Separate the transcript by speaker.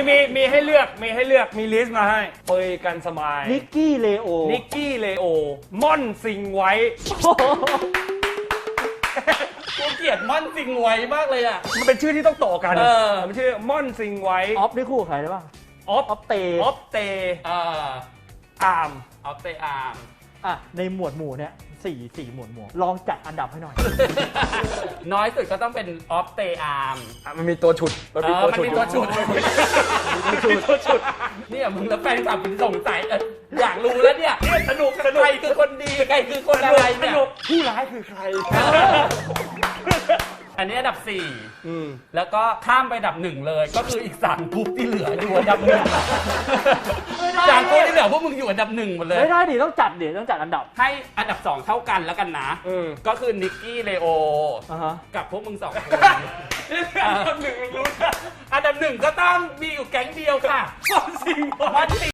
Speaker 1: มีให้เลือกมีลิสต์มาให้เปยกันสมาย
Speaker 2: นิกกี้เลโอ
Speaker 1: ม่อนซิงไว้
Speaker 3: กูเกลียดม่อนสิงไว้มากเลยอ่ะ
Speaker 1: มันเป็นชื่อที่ต้องต่อกันมันชื่อม่อนซิงไว้
Speaker 2: ออฟได้คู่กับใครได้บ้าง
Speaker 1: ออฟเต อาร์ม
Speaker 3: ออฟเตอาร์ม
Speaker 2: อ่ะในหมวดหมู่เนี่ยสี่หมวดหมู่ลองจัดอันดับให้หน่อย
Speaker 3: น้อยสุดก็ต้องเป็นออฟเตอาร์ม
Speaker 1: มันมีตัวฉุด
Speaker 3: มันมีตัวชุดเนี่ยมึงแล้วแฟนคลับมึงสงสัยอยากรู้แล้วเนี่ยสนุกใครคือคนดีใครคือคนอะไรเนี่ย
Speaker 1: ผู้ร้ายคือใคร
Speaker 3: อันนี้อันดับ4แล้วก็ข้ามไปอันดับ1เลยก็คืออีก3กลุ่มที่เหลืออยู่อันดับ1จากกลุ่มที่เหลือพวกมึงอยู่อันดับ1หมดเลย
Speaker 2: ไม่ได้ดิต้องจัดอันดับ
Speaker 3: ให้อันดับ2เท่ากันแล้วกันนะก็คือนิกกี้เลโอกับพวกมึง2 คนอันดับ 1 รู้อันดับ 1ก็ต้องมีอยู่แก๊งเดียวค่ะม่อนสิง